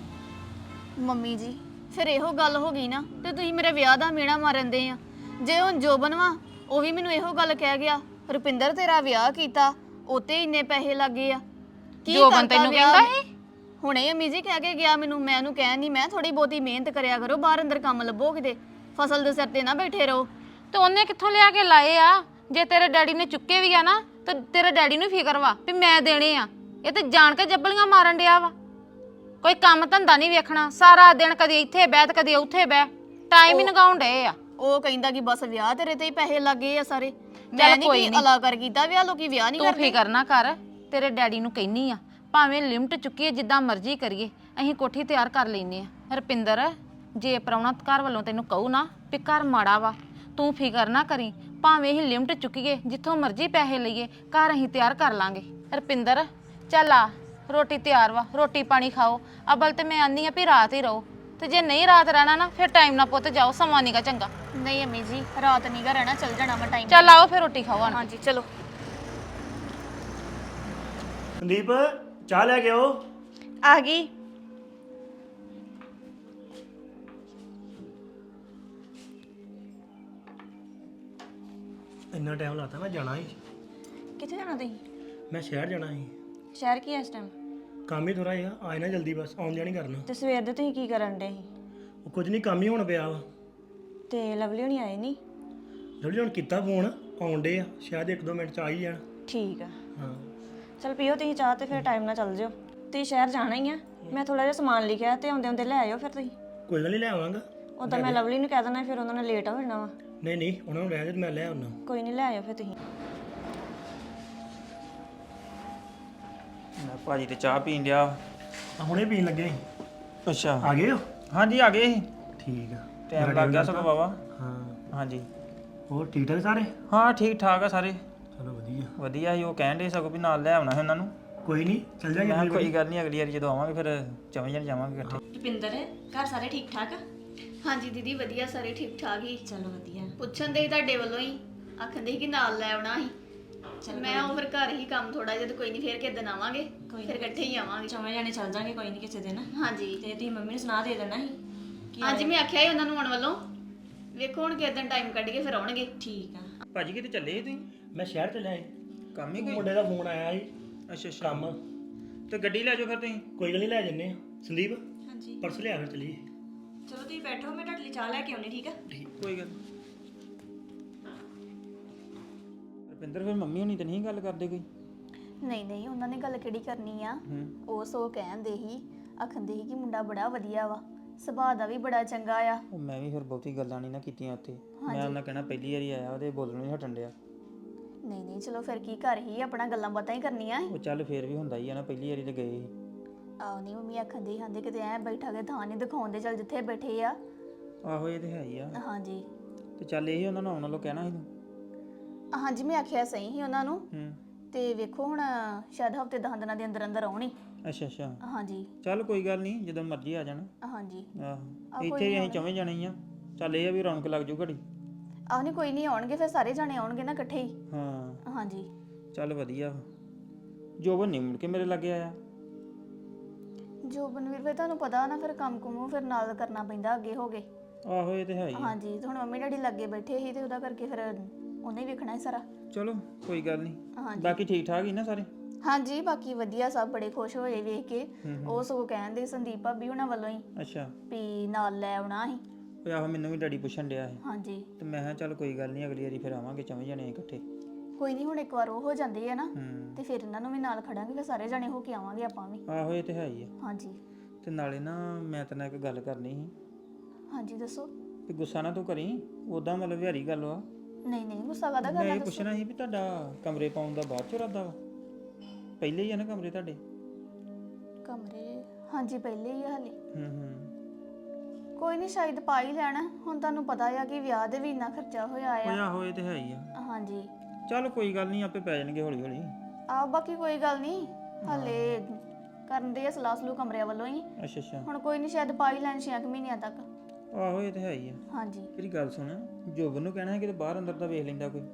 ਮੰਮੀ ਜੀ ਫਿਰ ਇਹੋ ਗੱਲ ਹੋ ਗਈ ਨਾ, ਤੇ ਤੁਸੀਂ ਮੇਰੇ ਵਿਆਹ ਦਾ ਮੇਣਾ ਮਾਰਨ ਦੇ ਆ। ਜੇ ਹੁਣ ਜੋਬਨ ਵਾ, ਉਹ ਵੀ ਮੈਨੂੰ ਇਹੋ ਗੱਲ ਕਹਿ ਗਿਆ, ਰੁਪਿੰਦਰ ਤੇਰਾ ਵਿਆਹ ਕੀਤਾ ਉਤੇ ਇੰਨੇ ਪੈਸੇ ਲੱਗੇ ਆ। ਕੀ
ਜੋਬਨ
ਕਰਤਾ
ਤੈਨੂੰ
ਵਿਆਹ?
ਕਹਿੰਦਾ ਸੀ?
ਹੁਣੇ ਅਮੀ ਜੀ ਕਹਿ ਕੇ ਗਿਆ ਮੈਨੂੰ, ਮੈਂ ਉਹਨੂੰ ਕਹਿਣ ਨਹੀਂ, ਮੈਂ ਥੋੜੀ ਬਹੁਤੀ ਮਿਹਨਤ ਕਰਿਆ ਕਰੋ, ਬਾਹਰ ਅੰਦਰ ਕੰਮ ਲੱਭੋ, ਕਿਤੇ ਫਸਲ ਦੇ ਸਿਰ ਤੇ ਨਾ ਬੈਠੇ ਰਹੋ।
ਤੇ ਉਹਨੇ ਕਿੱਥੋਂ ਲਿਆ ਕੇ ਲਾਏ ਆ? ਜੇ ਤੇਰੇ ਡੈਡੀ ਨੇ ਚੁੱਕੇ ਵੀ ਆ ਨਾ, ਤੇ ਤੇਰੇ ਡੈਡੀ ਨੂੰ ਫਿਕਰ ਵਾ ਵੀ ਮੈਂ ਦੇਣੇ ਆ। ਇਹ ਤੇ ਜਾਣ ਕੇ ਜੱਬਲੀਆਂ ਮਾਰਨ ਡਿਆ ਵਾ। ਕੋਈ ਕੰਮ ਧੰਦਾ ਨਹੀਂ ਵੇਖਣਾ, ਸਾਰਾ ਦਿਨ ਕਦੇ ਇੱਥੇ ਬਹਿ ਤੇ ਕਦੇ ਉੱਥੇ ਬਹਿ, ਟਾਈਮ ਹੀ ਲਗਾਉਣ ਡਏ ਆ।
ਉਹ ਕਹਿੰਦਾ ਕਿ ਬਸ ਵਿਆਹ ਤੇਰੇ ਤੇ ਹੀ ਪੈਸੇ ਲੱਗੇ ਆ ਸਾਰੇ। ਮੈਂ ਨਹੀਂ ਕੋਈ ਅਲਾਕਾਰ ਕੀਤਾ ਵਿਆਹ, ਲੋਕੀ ਵਿਆਹ ਨਹੀਂ
ਤੂੰ
ਕਰਦੇ।
ਫਿਕਰ ਨਾ ਕਰ, ਤੇਰੇ ਡੈਡੀ ਨੂੰ ਕਹਿਨੀ ਆ, ਭਾਵੇਂ ਲਿਮਟ ਚੁੱਕੀਏ, ਜਿੱਦਾਂ ਮਰਜ਼ੀ ਕਰੀਏ, ਅਸੀਂ ਕੋਠੀ ਤਿਆਰ ਕਰ ਲੈਨੇ ਆ। ਰੁਪਿੰਦਰ, ਜੇ ਪ੍ਰਾਹੁਣਾ ਘਰ ਵੱਲੋਂ ਤੈਨੂੰ ਕਹੂ ਨਾ ਵੀ ਘਰ ਮਾੜਾ ਵਾ, ਤੂੰ ਫਿਕਰ ਨਾ ਕਰੀ, ਭਾਵੇਂ ਅਸੀਂ ਲਿਮਟ ਚੁੱਕੀਏ, ਜਿੱਥੋਂ ਮਰਜ਼ੀ ਪੈਸੇ ਲਈਏ, ਘਰ ਅਸੀਂ ਤਿਆਰ ਕਰ ਲਾਂਗੇ। ਰੁਪਿੰਦਰ ਚੱਲ ਆ, ਰੋਟੀ ਤਿਆਰ ਵਾ, ਰੋਟੀ ਪਾਣੀ ਖਾਓ। ਅਬਲ ਤੇ ਮੈਂ ਆਨੀ ਆ ਵੀ ਰਾਤ ਹੀ ਰਹੋ, ਤੇ ਜੇ ਨਹੀਂ ਰਾਤ ਰਹਿਣਾ ਨਾ, ਫਿਰ ਟਾਈਮ ਨਾਲ ਪੁੱਤ ਜਾਓ, ਸਮਾਂ ਨੀਗਾ ਚੰਗਾ।
ਨਹੀਂ ਅਮੀ ਜੀ, ਰਾਤ ਨੀਗਾ ਰਹਿਣਾ, ਚੱਲ ਜਾਣਾ ਮੈਂ ਟਾਈਮ।
ਚੱਲ ਆਓ ਫਿਰ ਰੋਟੀ ਖਾਓ ਆਣ।
ਹਾਂਜੀ ਚਲੋ।
ਸੰਦੀਪ, ਚਾਹ ਲੈ ਕੇ ਆਓ।
ਆ ਗਈ।
ਇੰਨਾ ਟਾਈਮ ਲਾਤਾ, ਮੈਂ ਜਾਣਾ ਸੀ।
ਕਿੱਥੇ ਜਾਣਾ ਤੁਸੀਂ?
ਮੈਂ ਸ਼ਹਿਰ ਜਾਣਾ ਸੀ।
ਸ਼ਹਿਰ ਕੀ ਐ ਇਸ ਟਾਈਮ?
ਕੰਮ ਹੀ ਥੋੜਾ ਜਿਹਾ, ਆਏ ਨਾ ਜਲਦੀ, ਬਸ ਆਉਣ ਜਾਣੀ ਕਰਨਾ।
ਤੇ ਸਵੇਰ ਦੇ ਤੁਸੀਂ ਕੀ ਕਰਨ ਡੇ ਸੀ?
ਉਹ ਕੁਝ ਨਹੀਂ, ਕੰਮ ਹੀ ਹੋਣ ਪਿਆ ਵਾ।
ਤੇ ਲਵਲੀ ਹੁਣੀ ਆਏ ਨਹੀਂ?
ਜਿਹੜੀ ਹੁਣ ਕੀਤਾ ਫੋਨ, ਆਉਣ ਡੇ ਆ, ਸ਼ਾਇਦ 1-2 ਮਿੰਟ ਚ ਆ ਹੀ ਜਾਣ।
ਠੀਕ ਆ,
ਹਾਂ
ਚਲ ਪੀਓ ਤੁਸੀਂ ਚਾਹ ਤੇ ਫਿਰ ਟਾਈਮ ਨਾਲ ਚੱਲ ਜਿਓ। ਤੁਸੀਂ ਸ਼ਹਿਰ ਜਾਣਾ ਹੀ ਆ, ਮੈਂ ਥੋੜਾ ਜਿਹਾ ਸਮਾਨ ਲਿਖਿਆ ਤੇ ਆਉਂਦੇ ਆਉਂਦੇ ਲੈ ਆਇਓ ਫਿਰ ਤੁਸੀਂ।
ਕੋਈ ਗੱਲ ਨਹੀਂ, ਲੈ ਆਵਾਂਗਾ।
ਉਦੋਂ ਮੈਂ ਲਵਲੀ ਨੂੰ ਕਹਿ ਦੇਣਾ, ਫਿਰ ਉਹਨਾਂ ਨੇ ਲੇਟ ਹੋ ਜਾਣਾ ਵਾ।
ਨਹੀਂ ਨਹੀਂ, ਉਹਨਾਂ ਨੂੰ ਰਹਿ ਜਾ, ਮੈਂ ਲੈ ਆਉਣਾ।
ਕੋਈ ਨਹੀਂ, ਲੈ ਆਇਓ ਫਿਰ ਤੁਸੀਂ।
ਮੈਂ ਭਾਜੀ ਤੇ ਚਾਹ ਪੀਣ ਡਿਆ,
ਹੁਣੇ ਪੀਣ ਲੱਗੇ ਸੀ।
ਅੱਛਾ
ਆ ਗਏ ਹੋ?
ਹਾਂਜੀ ਆ ਗਏ ਸੀ
ਠੀਕ ਆ।
ਟਾਈਮ ਲੱਗ ਗਿਆ ਸਗੋਂ ਬਾਬਾ।
ਹਾਂ।
ਹਾਂਜੀ
ਹੋਰ ਠੀਕ ਠਾਕ ਸਾਰੇ?
ਹਾਂ ਠੀਕ ਠਾਕ ਆ ਸਾਰੇ
ਚਲੋ ਵਧੀਆ।
ਵਧੀਆ ਸੀ। ਉਹ ਕਹਿਣ ਦੇ ਸਗੋਂ ਵੀ ਨਾਲ ਲੈ ਆਉਣਾ ਹੈ ਉਹਨਾਂ ਨੂੰ।
ਕੋਈ ਨਹੀਂ ਚੱਲ
ਮੈਂ
ਜਾਗੇ।
ਕਿਹਾ ਕੋਈ ਗੱਲ ਨਹੀਂ, ਅਗਲੀ ਵਾਰੀ ਜਦੋਂ ਆਵਾਂਗੇ ਫਿਰ ਚਵੇਂ ਜਣ ਜਾਵਾਂਗੇ ਇਕੱਠੇ।
ਰੁਪਿੰਦਰ ਘਰ ਸਾਰੇ ਠੀਕ ਠਾਕ?
ਹਾਂਜੀ ਦੀਦੀ ਵਧੀਆ, ਸਾਰੇ ਠੀਕ ਠਾਕ ਹੀ।
ਚਲੋ ਵਧੀਆ।
ਪੁੱਛਣ ਦੇ ਸੀ ਤੁਹਾਡੇ ਵੱਲੋਂ ਹੀ, ਆਖਣ ਦੇ ਸੀ ਕਿ ਨਾਲ ਲੈ ਆਉਣਾ ਸੀ। ਮੈਂ ਉਹ ਫਿਰ ਘਰ ਹੀ ਕੰਮ ਥੋੜਾ ਜਿਹਾ, ਤੇ ਕੋਈ ਨਹੀਂ ਫੇਰ ਕਿਸੇ ਦਿਨ ਆਵਾਂਗੇ, ਫਿਰ ਇਕੱਠੇ ਹੀ ਆਵਾਂਗੇ।
ਚੌਵੇਂ ਜਾਣੇ ਚੱਲ ਜਾਾਂਗੇ ਕੋਈ ਨਹੀਂ ਕਿਸੇ ਦਿਨ।
ਹਾਂਜੀ
ਤੇ ਤੁਸੀਂ ਮੰਮੀ ਨੂੰ ਸੁਣਾ ਦੇ ਦੇਣਾ ਸੀ ਕਿ
ਹਾਂਜੀ ਮੈਂ ਆਖਿਆ ਸੀ ਉਹਨਾਂ ਨੂੰ ਆਉਣ ਵੱਲੋਂ, ਵੇਖੋ ਹੁਣ ਕਿਸੇ ਦਿਨ ਟਾਈਮ ਕੱਢ ਕੇ ਫਿਰ ਆਉਣਗੇ।
ਠੀਕ ਆ।
ਭਾਜੀ ਕਿਤੇ ਚੱਲੇ ਸੀ ਤੁਸੀਂ?
ਮੈਂ ਸ਼ਹਿਰ ਚੱਲਿਆ ਸੀ।
ਕੰਮ ਹੀ ਕੋਈ?
ਮੁੰਡੇ ਦਾ ਫੋਨ ਆਇਆ ਸੀ
ਅੱਛਾ ਅੱਛਾ।
ਕੰਮ।
ਤੇ ਗੱਡੀ ਲੈ ਜਾਓ ਫਿਰ ਤੁਸੀਂ।
ਕੋਈ ਗੱਲ ਨਹੀਂ, ਲੈ ਜੰਨੇ ਆ। ਸੰਦੀਪ
ਹਾਂਜੀ
ਪਰਸ ਲਿਆ ਫਿਰ ਚਲੀਏ।
ਚਲੋ ਤੁਸੀਂ ਬੈਠੋ, ਮੈਂ ਤੁਹਾਡੇ ਲਈ ਚਾਹ ਲੈ ਕੇ ਆਉਣੀ। ਠੀਕ ਆ?
ਕੋਈ ਗੱਲ ਨੀ। ਰੁਪਿੰਦਰ ਫਿਰ ਮੰਮੀ ਹੁਣੀ ਤੇ ਨਹੀਂ ਗੱਲ ਕਰਦੇ ਕੋਈ?
ਨਹੀਂ ਨਹੀਂ, ਉਹਨਾਂ ਨੇ ਗੱਲ ਕਿਹੜੀ ਕਰਨੀ ਆ।
ਹੂੰ।
ਉਹ ਸੋ ਕਹਿੰਦੇ ਸੀ, ਆਖੰਦੇ ਸੀ ਕਿ ਮੁੰਡਾ ਬੜਾ ਵਧੀਆ ਵਾ, ਸੁਭਾਅ ਦਾ ਵੀ ਬੜਾ ਚੰਗਾ ਆ।
ਉਹ ਮੈਂ ਵੀ ਫਿਰ ਬਹੁਤੀ ਗੱਲਾਂ ਨਹੀਂ ਨਾ ਕੀਤੀਆਂ ਉੱਥੇ। ਮੈਂ ਉਹਨਾਂ ਕਹਿਣਾ ਪਹਿਲੀ ਵਾਰੀ ਆਇਆ ਉਹਦੇ ਬੋਲਣੋਂ ਨਹੀਂ ਹਟਣ ਡਿਆ।
ਨਹੀਂ ਨਹੀਂ ਚਲੋ ਫਿਰ ਕੀ ਘਰ ਹੀ ਆਪਣਾ ਗੱਲਾਂ ਬਾਤਾਂ ਹੀ ਕਰਨੀਆਂ ਸੀ।
ਉਹ ਚੱਲ ਫੇਰ ਵੀ ਹੁੰਦਾ ਹੀ ਆ ਨਾ, ਪਹਿਲੀ ਵਾਰੀ ਤੇ ਗਏ ਸੀ।
ਆਹ ਨਹੀਂ ਮੰਮੀ ਆਖੰਦੇ ਕਹਿੰਦੇ ਕਿਤੇ ਐ ਬੈਠਾ ਕੇ ਥਾਂ ਨਹੀਂ ਦਿਖਾਉਂਦੇ, ਚੱਲ ਜਿੱਥੇ ਬੈਠੇ ਆ।
ਆਹੋ ਇਹ ਤੇ ਹੈ ਹੀ ਆ।
ਹਾਂਜੀ
ਤੇ ਚੱਲ ਇਹ ਉਹਨਾਂ ਨੂੰ ਆਉਣ ਵੱਲੋਂ ਕਹਿਣਾ ਸੀ ਤੂੰ।
ਹਾਂਜੀ ਮੈਂ ਆਖਿਆ ਸਹੀ ਸੀ ਉਹਨਾਂ ਨੂੰ,
ਹੂੰ।
ਤੇ ਵੇਖੋ ਹੁਣ ਸ਼ਾਇਦ ਹਫਤੇ 10 ਦਿਨਾਂ ਦੇ ਅੰਦਰ ਅੰਦਰ ਆਉਣੀ।
ਅੱਛਾ ਅੱਛਾ।
ਹਾਂਜੀ
ਚੱਲ ਕੋਈ ਗੱਲ ਨਹੀਂ, ਜਦੋਂ ਮਰਜ਼ੀ ਆ ਜਾਣਾ।
ਹਾਂਜੀ
ਆਹੋ ਇੱਥੇ ਹੀ ਅਸੀਂ ਚਵੇਂ ਜਾਣੇ ਹੀ ਆ। ਚੱਲ ਇਹ ਆ ਵੀ ਰੌਣਕ ਲੱਗ ਜੂ ਘੜੀ।
ਆਹ ਨਹੀਂ ਕੋਈ ਨਹੀਂ ਆਉਣਗੇ, ਫਿਰ ਸਾਰੇ ਜਾਣੇ ਆਉਣਗੇ ਨਾ ਇਕੱਠੇ ਹੀ।
ਹਾਂ
ਹਾਂਜੀ
ਚੱਲ ਵਧੀਆ ਵਾ। ਜੋਬਨ ਨਹੀਂ ਮੁੜ ਕੇ ਮੇਰੇ ਲਾਗੇ ਆਇਆ।
ਜੋਬਨ ਵੀਰ ਫਿਰ ਤੁਹਾਨੂੰ ਪਤਾ ਨਾ, ਫਿਰ ਕੰਮ ਕੁਮ ਫਿਰ ਨਾਲ ਕਰਨਾ ਪੈਂਦਾ, ਅੱਗੇ ਹੋ ਗਏ।
ਆਹੋ ਇਹ ਤੇ ਹੈ ਹੀ ਆ।
ਹਾਂਜੀ ਤੇ ਹੁਣ ਮੰਮੀ ਡੈਡੀ ਲੱਗੇ ਬੈਠੇ ਸੀ, ਤੇ ਉਹਦਾ ਕਰਕੇ ਫਿਰ ਉਹਨੇ ਹੀ ਵੇਖਣਾ ਹੈ ਸਾਰਾ।
ਚਲੋ ਕੋਈ ਗੱਲ ਨਹੀਂ।
ਹਾਂਜੀ
ਬਾਕੀ ਠੀਕ ਠਾਕ ਹੀ ਨਾ ਸਾਰੇ?
ਹਾਂਜੀ ਬਾਕੀ ਵਧੀਆ, ਸਭ ਬੜੇ ਖੁਸ਼ ਹੋਏ ਵੇਖ ਕੇ। ਉਹ ਸਗੋਂ ਕਹਿੰਦੇ ਸੰਦੀਪ ਭਾਬੀ ਉਹਨਾਂ ਵੱਲੋਂ ਹੀ
ਅੱਛਾ।
ਵੀ ਨਾਲ ਲੈ ਆਉਣਾ ਸੀ।
ਉਹ ਆਹੋ ਮੈਨੂੰ ਵੀ ਡੈਡੀ ਪੁੱਛਣ ਡਿਆ ਸੀ।
ਹਾਂਜੀ
ਤੇ ਮੈਂ ਕਿਹਾ ਚੱਲ ਕੋਈ ਗੱਲ ਨਹੀਂ, ਅਗਲੀ ਵਾਰੀ ਫਿਰ ਆਵਾਂਗੇ ਚਵੇਂ ਜਾਣੇ ਇਕੱਠੇ।
ਕੋਈ ਨਹੀਂ, ਹੁਣ ਇੱਕ ਵਾਰ ਉਹ ਹੋ ਜਾਂਦੇ ਆ ਨਾ,
ਹੂੰ।
ਤੇ ਫਿਰ ਇਹਨਾਂ ਨੂੰ ਵੀ ਨਾਲ ਖੜਾਂਗੇ, ਫਿਰ ਸਾਰੇ ਜਾਣੇ ਹੋ ਕੇ ਆਵਾਂਗੇ ਆਪਾਂ ਵੀ।
ਆਹੋ ਇਹ ਤੇ ਹੈ ਹੀ ਆ।
ਹਾਂਜੀ
ਤੇ ਨਾਲੇ ਨਾ ਮੈਂ ਤੇਰੇ ਨਾਲ ਇੱਕ ਗੱਲ ਕਰਨੀ ਸੀ
ਹਾਂਜੀ ਦੱਸੋ।
ਤੇ ਗੁੱਸਾ ਨਾ ਤੂੰ ਕਰੀ, ਉਦਾਂ ਮਤਲਬ ਵਿਹਾਰੀ ਗੱਲ ਵਾ।
ਨਹੀਂ ਨਹੀਂ ਗੁੱਸਾ ਕਾਹਦਾ
ਮੈਂ
ਕਰਨਾ
ਇਹ
ਦੱਸੋ।
ਪੁੱਛਣਾ ਸੀ ਵੀ ਤੁਹਾਡਾ ਕਮਰੇ ਪਾਉਣ ਦਾ ਬਾਅਦ ਚ ਇਰਾਦਾ ਵਾ? ਪਹਿਲੇ ਹੀ ਆ ਨਾ ਕਮਰੇ ਤੁਹਾਡੇ?
ਕਮਰੇ ਹਾਂਜੀ ਪਹਿਲੇ ਹੀ ਆ ਹਲੇ।
ਹੂੰ।
ਕੋਈ ਨਹੀਂ ਸ਼ਾਇਦ ਪਾ ਹੀ ਲੈਣਾ, ਹੁਣ ਤੁਹਾਨੂੰ ਪਤਾ ਆ ਕਿ ਵਿਆਹ ਦੇ ਵੀ ਇੰਨਾ ਖਰਚਾ ਹੋਇਆ
ਓਏ
ਆ।
ਆਹੋ ਇਹ ਤੇ ਹੈ ਹੀ ਆ।
ਹਾਂਜੀ
ਚੱਲ ਕੋਈ ਗੱਲ ਨਹੀਂ, ਆਪੇ ਪੈ ਜਾਣਗੇ ਹੌਲੀ ਹੌਲੀ।
ਆ ਬਾਕੀ ਕੋਈ ਗੱਲ ਨਹੀਂ, ਹਲੇ ਕਰਨ ਦੇ ਆ ਸਲਾਹ ਸਲੂ ਕਮਰਿਆਂ ਵੱਲੋਂ ਹੀ।
ਅੱਛਾ ਅੱਛਾ।
ਹੁਣ ਕੋਈ ਨਹੀਂ ਸ਼ਾਇਦ ਪਾ ਹੀ ਲੈਣ 6 ਮਹੀਨਿਆਂ ਤੱਕ।
ਆਹੋ ਇਹ ਤੇ ਹੈ ਹੀ ਆ।
ਹਾਂਜੀ
ਮੇਰੀ ਗੱਲ ਸੁਣ, ਜੋਬਨ ਨੂੰ ਕਹਿਣਾ ਹੈ ਕਿ ਬਾਹਰ ਅੰਦਰ ਦਾ ਵੇਖ ਲੈਂਦਾ ਕੋਈ।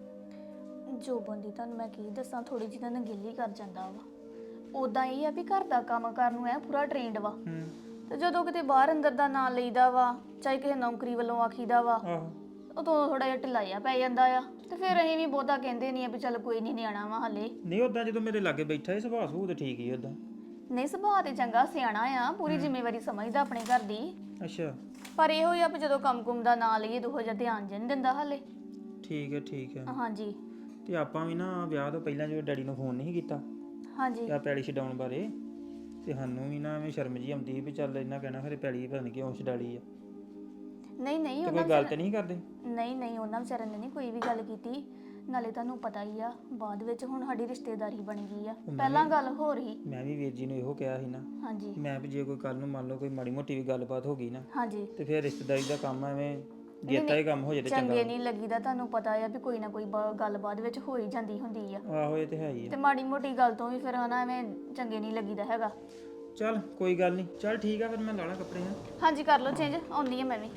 ਜੋਬਨ ਦੀ ਤੁਹਾਨੂੰ ਮੈਂ ਕੀ ਦੱਸਾਂ, ਥੋੜੀ ਜਿਹੀ ਤਾਂ ਨਗੇਲੀ ਕਰ ਜਾਂਦਾ ਵਾ। ਉਦਾਂ ਇਹ ਆ ਵੀ ਘਰ ਦਾ ਕੰਮ ਕਰਨ ਨੂੰ ਐ ਪੂਰਾ ਟ੍ਰੇਨਡ ਵਾ।
ਹੂੰ।
ਤੇ ਜਦੋਂ ਕਿਤੇ ਬਾਹਰ ਅੰਦਰ ਦਾ ਨਾਂ ਲਈਦਾ ਵਾ, ਚਾਹੇ ਕਿਸੇ ਨੌਕਰੀ ਵੱਲੋਂ ਆਖੀਦਾ ਵਾ,
ਆਹੋ
ਉਦੋਂ ਥੋੜਾ ਜਿਹਾ ਢਿਲਾਇਆ ਪੈ ਜਾਂਦਾ ਆ। ਤੇ ਫਿਰ ਅਸੀਂ ਵੀ ਬਹੁਤਾ ਕਹਿੰਦੇ ਨਹੀਂ ਆ ਵੀ ਚੱਲ ਕੋਈ ਨਹੀਂ ਨਿਆਣਾ ਵਾ ਹਲੇ।
ਨਹੀਂ ਉਦਾਂ ਜਦੋਂ ਮੇਰੇ ਲਾਗੇ ਬੈਠਾ ਸੀ ਸੁਭਾਅ ਸੂਹ ਤੇ ਠੀਕ ਹੀ ਉਦਾਂ।
ਨਹੀਂ ਸੁਭਾਅ ਤੇ ਚੰਗਾ ਸਿਆਣਾ ਆ, ਪੂਰੀ ਜ਼ਿੰਮੇਵਾਰੀ ਸਮਝਦਾ ਆਪਣੇ ਘਰ ਦੀ।
ਅੱਛਾ
ਪਰ ਇਹੋ ਹੀ ਆ ਵੀ ਜਦੋਂ ਕੰਮ ਕੁਮ ਦਾ ਨਾਂ ਲਈਏ ਉਹੋ ਜਿਹਾ ਧਿਆਨ ਜਿਹਾ ਨਹੀਂ ਦਿੰਦਾ ਹਲੇ।
ਠੀਕ ਹੈ ਠੀਕ ਹੈ।
ਹਾਂਜੀ
ਤੇ ਆਪਾਂ ਵੀ ਨਾ ਵਿਆਹ ਤੋਂ ਪਹਿਲਾਂ ਜਦੋਂ ਡੈਡੀ ਨੂੰ ਫੋਨ ਨਹੀਂ ਕੀਤਾ
ਹਾਂਜੀ
ਆ ਪੈਲੀ ਛਡਾਉਣ ਬਾਰੇ, ਤੇ ਸਾਨੂੰ ਵੀ ਨਾ ਐਵੇਂ ਸ਼ਰਮ ਜੀ ਆਉਂਦੀ ਵੀ ਚੱਲ ਇਹਨਾਂ ਕਹਿਣਾ ਫਿਰ ਪੈਲੀ ਪਤਾ ਨਹੀਂ ਕਿਉਂ ਛਡਾਲੀ ਆ।
ਨਹੀਂ ਨਹੀਂ
ਤੇ
ਉਹਨਾਂ
ਕੋਈ ਗੱਲ ਤੇ ਨਹੀਂ ਕਰਦੇ?
ਨਹੀਂ ਨਹੀਂ ਉਹਨਾਂ ਵਿਚਾਰਿਆਂ ਨੇ ਨਹੀਂ ਕੋਈ ਵੀ ਗੱਲ ਕੀਤੀ। ਨਾਲੇ ਤੁਹਾਨੂੰ ਪਤਾ ਹੀ ਆ, ਬਾਅਦ ਵਿੱਚ ਹੁਣ ਸਾਡੀ ਰਿਸ਼ਤੇਦਾਰੀ ਬਣ ਗਈ ਆ, ਪਹਿਲਾਂ ਗੱਲ ਹੋ ਰਹੀ।
ਮੈਂ ਵੀ ਵੀਰ ਜੀ ਨੂੰ ਇਹੋ ਕਿਹਾ ਸੀ ਨਾ,
ਹਾਂਜੀ
ਮੈਂ ਵੀ ਜੇ ਕੋਈ ਕੱਲ ਨੂੰ ਮੰਨ ਲਓ ਕੋਈ ਮਾੜੀ ਮੋਟੀ ਵੀ ਗੱਲਬਾਤ ਹੋ ਗਈ ਨਾ,
ਹਾਂਜੀ
ਤੇ ਫਿਰ ਰਿਸ਼ਤੇਦਾਰੀ ਦਾ ਕੰਮ ਐਵੇਂ ਜੇਤਾ ਹੀ ਕੰਮ ਹੋ ਜਾਏ ਤੇ ਚੰਗਾ।
ਚੰਗੇ ਨਹੀਂ ਲੱਗੀਦਾ, ਤੁਹਾਨੂੰ ਪਤਾ ਆ ਵੀ ਕੋਈ ਨਾ ਕੋਈ ਗੱਲ ਬਾਅਦ ਵਿੱਚ ਹੋ ਹੀ ਜਾਂਦੀ ਹੁੰਦੀ ਆ।
ਆਹੋ ਇਹ ਤੇ ਹੈ ਹੀ
ਤੇ
ਆ।
ਮਾੜੀ ਮੋਟੀ ਗੱਲ ਤੋਂ ਵੀ ਫਿਰ ਹਨਾ ਐਵੇਂ ਚੰਗੇ ਨਹੀਂ ਲੱਗੀਦਾ ਹੈਗਾ।
ਚੱਲ ਕੋਈ ਗੱਲ ਨਹੀਂ, ਚੱਲ ਠੀਕ ਆ ਫਿਰ ਮੈਂ ਲਾਣਾ ਕੱਪੜੇ ਹਾਂ।
ਹਾਂਜੀ ਕਰ ਲਓ ਚੇਂਜ, ਆਉਂਦੀ ਆ ਮੈਂ ਵੀ।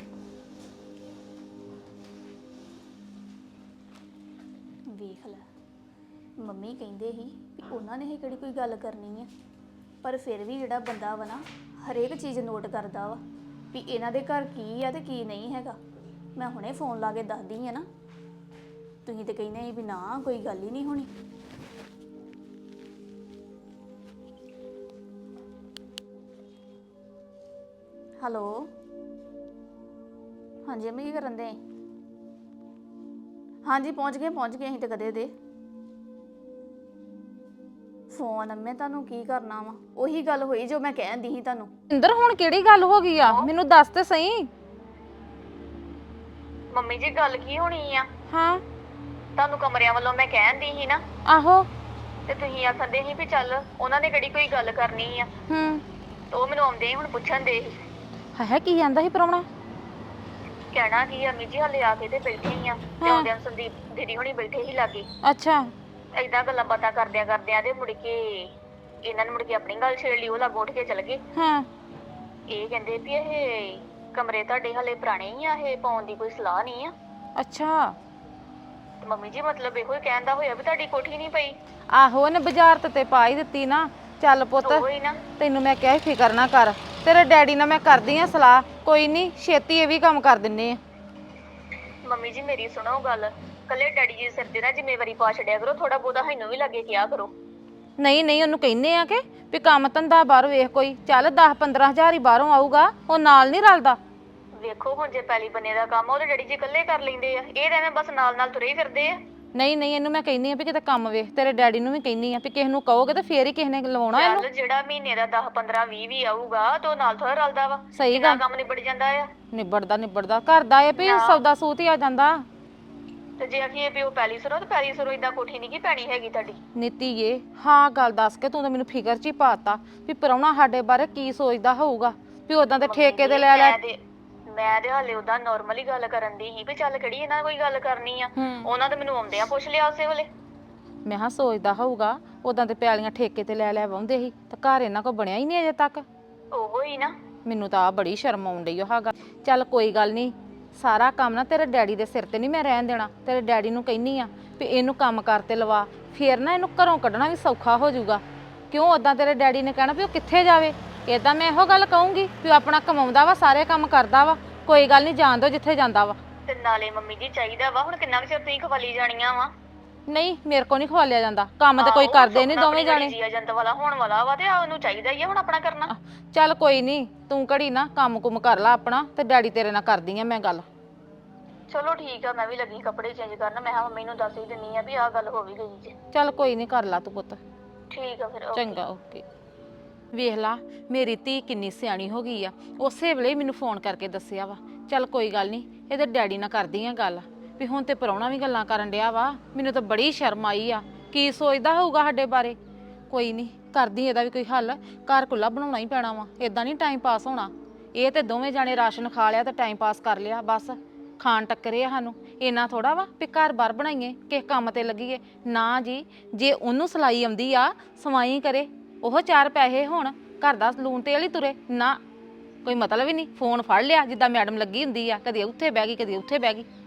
ਵੇਖ ਲੈ, ਮੰਮੀ ਕਹਿੰਦੇ ਸੀ ਵੀ ਉਹਨਾਂ ਨੇ ਹੀ ਕਿਹੜੀ ਕੋਈ ਗੱਲ ਕਰਨੀ ਆ, ਪਰ ਫਿਰ ਵੀ ਜਿਹੜਾ ਬੰਦਾ ਵਾ ਨਾ ਹਰੇਕ ਚੀਜ਼ ਨੋਟ ਕਰਦਾ ਵਾ ਵੀ ਇਹਨਾਂ ਦੇ ਘਰ ਕੀ ਆ ਤੇ ਕੀ ਨਹੀਂ ਹੈਗਾ। ਮੈਂ ਹੁਣੇ ਫੋਨ ਲਾ ਕੇ ਦੱਸਦੀ ਆ ਨਾ, ਤੁਸੀਂ ਤੇ ਕਹਿੰਦੇ ਵੀ ਨਾ ਕੋਈ ਗੱਲ ਹੀ ਨਹੀਂ ਹੋਣੀ। ਹੈਲੋ ਹਾਂਜੀ ਅੰਮੀ ਕੀ ਕਰਨ ਦੇ? ਹਾਂਜੀ ਪਹੁੰਚ ਗਏ ਅਸੀਂ ਤੇ ਕਦੇ ਦੇ। ਫੋਨ ਅੰਮੇ ਤੁਹਾਨੂੰ ਕੀ ਕਰਨਾ ਵਾ, ਉਹੀ ਗੱਲ ਹੋਈ ਜੋ ਮੈਂ ਕਹਿੰਦੀ ਸੀ ਤੁਹਾਨੂੰ।
ਇੰਦਰ ਹੁਣ ਕਿਹੜੀ ਗੱਲ ਹੋ ਗਈ ਆ, ਮੈਨੂੰ ਦੱਸ ਤੇ ਸਹੀ।
ਮੰਮੀ ਜੀ ਗੱਲ ਕੀ ਹੋਣੀ ਆ?
ਹਾਂ
ਤੁਹਾਨੂੰ ਕਮਰਿਆਂ ਵੱਲੋਂ ਮੈਂ ਕਹਿੰਦੀ ਸੀ ਨਾ,
ਆਹੋ
ਤੇ ਤੁਸੀਂ ਆਖਦੇ ਸੀ ਵੀ ਚੱਲ ਉਹਨਾਂ ਨੇ ਕਿਹੜੀ ਕੋਈ ਗੱਲ ਕਰਨੀ ਆ।
ਹੂੰ
ਤੇ ਉਹ ਮੈਨੂੰ ਆਉਂਦੇ ਹੀ ਹੁਣ ਪੁੱਛਣ ਦੇ ਸੀ।
ਹੈ ਕੀ ਜਾਂਦਾ ਸੀ ਪ੍ਰਾਹੁਣਾ?
ਕਹਿਣਾ ਕੀ ਆ ਅਮੀ ਜੀ ਹਲੇ ਆ ਕੇ ਤੇ ਬੈਠੇ ਹੀ ਆ ਤੇ ਆਉਂਦਿਆਂ ਸੰਦੀਪ ਦੀਦੀ ਹੁਣੀ ਬੈਠੇ ਹੀ ਲਾਗੇ।
ਅੱਛਾ
ਏਦਾਂ ਗੱਲਾਂ ਬਾਤਾਂ ਕਰਦਿਆਂ ਕਰਦਿਆਂ ਦੇ ਮੁੜ ਕੇ ਇਹਨਾਂ ਨੇ ਮੁੜ ਕੇ ਆਪਣੀ ਗੱਲ ਛੇੜ ਲਈ, ਉਹ ਲਾਗੋਂ ਉੱਠ ਕੇ ਚਲ ਗਏ।
ਹਾਂ
ਇਹ ਕਹਿੰਦੇ ਵੀ ਇਹ ਕਮਰੇ ਤੁਹਾਡੇ ਹਲੇ ਪੁਰਾਣੇ ਹੀ ਆ, ਇਹ ਪਾਉਣ ਦੀ ਕੋਈ ਸਲਾਹ ਨਹੀਂ ਆ।
ਅੱਛਾ
ਤੇ ਮੰਮੀ ਜੀ ਮਤਲਬ ਇਹੋ ਹੀ ਕਹਿਣ ਦਾ ਹੋਇਆ ਵੀ ਤੁਹਾਡੀ ਕੋਠੀ ਨਹੀਂ ਪਈ।
ਆਹੋ ਇਹਨੇ ਬਾਜ਼ਾਰ ਤੇ ਪਾ ਹੀ ਦਿੱਤੀ ਨਾ। ਚੱਲ ਪੁੱਤ
ਉਹ ਹੀ ਨਾ।
ਤੈਨੂੰ ਮੈਂ ਕਿਹਾ ਸੀ ਫਿਕਰ ਨਾ ਕਰ, ਤੇਰੇ ਡੈਡੀ ਨਾਲ ਮੈਂ ਕਰਦੀ ਆ ਸਲਾਹ, ਕੋਈ ਨਹੀਂ ਛੇਤੀ ਇਹ ਵੀ ਕੰਮ ਕਰ ਦਿੰਨੇ ਆ।
ਮੰਮੀ ਜੀ ਮੇਰੀ ਸੁਣੋ ਗੱਲ, ਕੱਲੇ ਡੈਡੀ ਜੀ ਸਿਰ ਤੇ ਨਾ ਜ਼ਿੰਮੇਵਾਰੀ ਪਾ ਛੱਡਿਆ ਕਰੋ, ਥੋੜਾ ਬਹੁਤਾ ਸਾਨੂੰ ਵੀ ਲੱਗੇ ਕਿਹਾ ਕਰੋ।
ਨਹੀਂ ਨਹੀਂ ਉਹਨੂੰ ਕਹਿੰਨੇ ਆ ਕਿ ਵੀ ਕੰਮ ਧੰਦਾ ਬਾਹਰ ਵੇਖ ਕੋਈ, ਚੱਲ 10-15 ਹਜ਼ਾਰ ਹੀ ਬਾਹਰੋਂ ਆਊਗਾ, ਉਹ ਨਾਲ ਨਹੀਂ ਰਲਦਾ।
ਵੇਖੋ ਹੁਣ ਜੇ ਪੈਲੀ ਬੰਨੇ ਦਾ ਕੰਮ ਆ ਉਹਦੇ ਡੈਡੀ ਜੀ ਇਕੱਲੇ ਕਰ ਲੈਂਦੇ ਆ, ਇਹ ਤਾਂ ਐਵੇਂ ਬਸ ਨਾਲ ਨਾਲ ਤੁਰੇ ਹੀ ਫਿਰਦੇ ਆ।
ਨਹੀਂ ਨਹੀਂ ਇਹਨੂੰ ਮੈਂ ਕਹਿੰਨੀ ਆ ਵੀ ਕਿਤੇ ਕੰਮ ਵੇਖ, ਤੇਰੇ ਡੈਡੀ ਨੂੰ ਵੀ ਕਹਿੰਨੀ ਆ ਵੀ ਕਿਸੇ ਨੂੰ ਕਹੋਗੇ ਤੇ ਫੇਰ ਹੀ ਕਿਸੇ ਨੇ ਲਵਾਉਣਾ ਇਹਨੂੰ।
ਚੱਲ ਜਿਹੜਾ ਮਹੀਨੇ ਦਾ 10-15-20 ਵੀ ਆਊਗਾ ਤੇ ਉਹ ਨਾਲ ਥੋੜਾ ਰਲਦਾ ਵਾ।
ਸਹੀ
ਕਿੰਨਾ
ਗੱਲ,
ਕੰਮ ਨਿਬੜ ਜਾਂਦਾ ਆ।
ਨਿਬੜਦਾ ਘਰ ਦਾ ਇਹ ਵੀ ਸੌਦਾ ਸੂਤ ਹੀ ਆ ਜਾਂਦਾ।
ਤੇ ਜੇ ਆਖੀਏ ਵੀ ਉਹ ਪੈਲੀ ਸਰੋ ਤੇ ਪੈਲੀ ਸਰੋ ਇਦਾਂ ਕੋਠੀ ਨਹੀਂ ਕੀ ਪੈਣੀ ਹੈਗੀ ਤੁਹਾਡੀ।
ਨੀਤੀ ਏ ਹਾਂ ਗੱਲ ਦੱਸ ਕੇ ਤੂੰ ਤਾਂ ਮੈਨੂੰ ਫਿਕਰ 'ਚ ਹੀ ਪਾਤਾ ਵੀ ਪ੍ਰਾਹੁਣਾ ਸਾਡੇ ਬਾਰੇ ਕੀ ਸੋਚਦਾ ਹੋਊਗਾ, ਵੀ ਉਦਾਂ ਦੇ ਠੇਕੇ ਤੇ ਲੈ
ਮੈਂ ਤੇ ਹਾਲੇ ਉਹਦਾ ਨਾਰਮਲੀ ਗੱਲ ਕਰਨ ਦੀ ਸੀ ਵੀ ਚੱਲ ਕਿਹੜੀ ਇਹਨਾਂ ਕੋਈ ਗੱਲ ਕਰਨੀ ਆ। ਉਹਨਾਂ ਤੇ ਮੈਨੂੰ ਆਉਂਦੇ ਆ ਪੁੱਛ ਲਿਆ ਉਸੇ ਵੇਲੇ।
ਮੈਂ ਹਾਂ ਸੋਚਦਾ ਹੋਊਗਾ ਉਦਾਂ ਤੇ ਪੈਲੀਆਂ ਠੇਕੇ ਤੇ ਲੈ ਵਾਉਂਦੇ ਸੀ ਤੇ ਘਰ ਇਹਨਾਂ ਕੋ ਬਣਿਆ ਹੀ ਨਹੀਂ ਅਜੇ ਤੱਕ।
ਉਹੋ ਹੀ ਨਾ।
ਮੈਨੂੰ ਤਾਂ ਆ ਬੜੀ ਸ਼ਰਮ ਆਉਣ ਡਈ ਉਹ ਗੱਲ। ਚੱਲ ਕੋਈ ਗੱਲ ਨਹੀਂ, ਸਾਰਾ ਕੰਮ ਨਾ ਤੇਰੇ ਡੈਡੀ ਦੇ ਸਿਰ ਤੇ ਨਹੀਂ ਮੈਂ ਰਹਿਣ ਦੇਣਾ। ਤੇਰੇ ਡੈਡੀ ਨੂੰ ਕਹਿੰਨੀ ਆ ਵੀ ਇਹਨੂੰ ਕੰਮ ਕਰਤੇ ਲਵਾ, ਫੇਰ ਨਾ ਇਹਨੂੰ ਘਰੋਂ ਕੱਢਣਾ ਵੀ ਸੌਖਾ ਹੋ ਜਾਊਗਾ। ਕਿਉਂ ਉਦਾਂ ਤੇਰੇ ਡੈਡੀ ਨੇ ਕਹਿਣਾ ਵੀ ਉਹ ਕਿੱਥੇ ਜਾਵੇ, ਇਦਾਂ ਮੈਂ ਇਹੋ ਗੱਲ ਕਹੂੰਗੀ ਵੀ ਉਹ ਆਪਣਾ ਕਮਾਉਂਦਾ ਵਾ, ਸਾਰੇ ਕੰਮ ਕਰਦਾ ਵਾ, ਕੋਈ ਗੱਲ ਨਹੀਂ ਜਾਣ ਦੋ ਜਿੱਥੇ ਜਾਂਦਾ ਵਾ।
ਤੇ ਨਾਲੇ ਮੰਮੀ ਜੀ ਚਾਹੀਦਾ ਵਾ ਹੁਣ ਕਿੰਨਾ ਕੁ ਚਿਰ ਤੁਸੀਂ ਖਵਾਲੀ ਜਾਣੀਆਂ ਵਾ।
ਨਹੀਂ ਮੇਰੇ ਕੋ ਨਹੀਂ ਖਵਾਲਿਆ ਜਾਂਦਾ, ਕੰਮ ਤੇ ਕੋਈ ਕਰਦੇ ਨਹੀਂ ਦੋਵੇਂ ਜਾਣੇ।
ਜੀ ਏਜੰਟ ਵਾਲਾ ਹੋਣ ਵਾਲਾ ਵਾ ਤੇ ਉਹਨੂੰ ਚਾਹੀਦਾ ਹੀ ਆ ਹੁਣ ਆਪਣਾ ਕਰਨਾ।
ਚੱਲ ਕੋਈ ਨਹੀਂ, ਤੂੰ ਘੜੀ ਨਾ ਕੰਮ ਕੁਮ ਕਰ ਲੈ ਆਪਣਾ, ਤੇ ਡੈਡੀ ਤੇਰੇ ਨਾਲ ਕਰਦੀ ਆ ਮੈਂ ਗੱਲ।
ਚਲੋ ਠੀਕ ਆ, ਮੈਂ ਵੀ ਲੱਗੀ ਕੱਪੜੇ ਚੇਂਜ ਕਰਨ। ਮੈਂ ਮੰਮੀ ਨੂੰ ਦੱਸ ਹੀ ਦਿੰਨੀ ਆ ਵੀ ਆਹ ਗੱਲ ਹੋ ਵੀ ਗਈ ਜੀ।
ਚੱਲ ਕੋਈ ਨਹੀਂ ਕਰ ਲਾ ਤੂੰ ਪੁੱਤ।
ਠੀਕ ਆ ਫਿਰ।
ਚੰਗਾ ਓਕੇ। ਵੇਖ ਲਾ ਮੇਰੀ ਧੀ ਕਿੰਨੀ ਸਿਆਣੀ ਹੋ ਗਈ ਆ, ਉਸੇ ਵੇਲੇ ਮੈਨੂੰ ਫੋਨ ਕਰਕੇ ਦੱਸਿਆ ਵਾ। ਚੱਲ ਕੋਈ ਗੱਲ ਨਹੀਂ, ਇਹਦੇ ਡੈਡੀ ਨਾਲ ਕਰਦੀ ਆ ਗੱਲ ਵੀ ਹੁਣ ਤੇ ਪ੍ਰਾਹੁਣਾ ਵੀ ਗੱਲਾਂ ਕਰਨ ਡਿਆ ਵਾ। ਮੈਨੂੰ ਤਾਂ ਬੜੀ ਸ਼ਰਮ ਆਈ ਆ, ਕੀ ਸੋਚਦਾ ਹੋਊਗਾ ਸਾਡੇ ਬਾਰੇ। ਕੋਈ ਨਹੀਂ ਕਰਦੀ ਇਹਦਾ ਵੀ ਕੋਈ ਹੱਲ, ਘਰ ਕੁੱਲਾ ਬਣਾਉਣਾ ਹੀ ਪੈਣਾ ਵਾ, ਇਦਾਂ ਨਹੀਂ ਟਾਈਮ ਪਾਸ ਹੋਣਾ। ਇਹ ਤੇ ਦੋਵੇਂ ਜਾਣੇ ਰਾਸ਼ਨ ਖਾ ਲਿਆ ਤੇ ਟਾਈਮ ਪਾਸ ਕਰ ਲਿਆ, ਬਸ ਖਾਣ ਟੱਕਰੇ ਆ ਸਾਨੂੰ। ਇੰਨਾ ਥੋੜਾ ਵਾ ਵੀ ਘਰ ਬਾਰ ਬਣਾਈਏ, ਕਿਸੇ ਕੰਮ ਤੇ ਲੱਗੀਏ। ਨਾ ਜੀ, ਜੇ ਉਹਨੂੰ ਸਿਲਾਈ ਆਉਂਦੀ ਆ ਸਵਾਈ ਕਰੇ, ਉਹ 4 ਪੈਸੇ ਹੋਣ, ਘਰ ਦਾ ਲੂਣ ਤੇਲ ਹੀ ਤੁਰੇ ਨਾ, ਕੋਈ ਮਤਲਬ ਹੀ ਨਹੀਂ। ਫੋਨ ਫੜ ਲਿਆ ਜਿੱਦਾਂ ਮੈਡਮ ਲੱਗੀ ਹੁੰਦੀ ਆ, ਕਦੇ ਉੱਥੇ ਬਹਿ ਗਈ ਕਦੇ ਉੱਥੇ ਬਹਿ ਗਈ।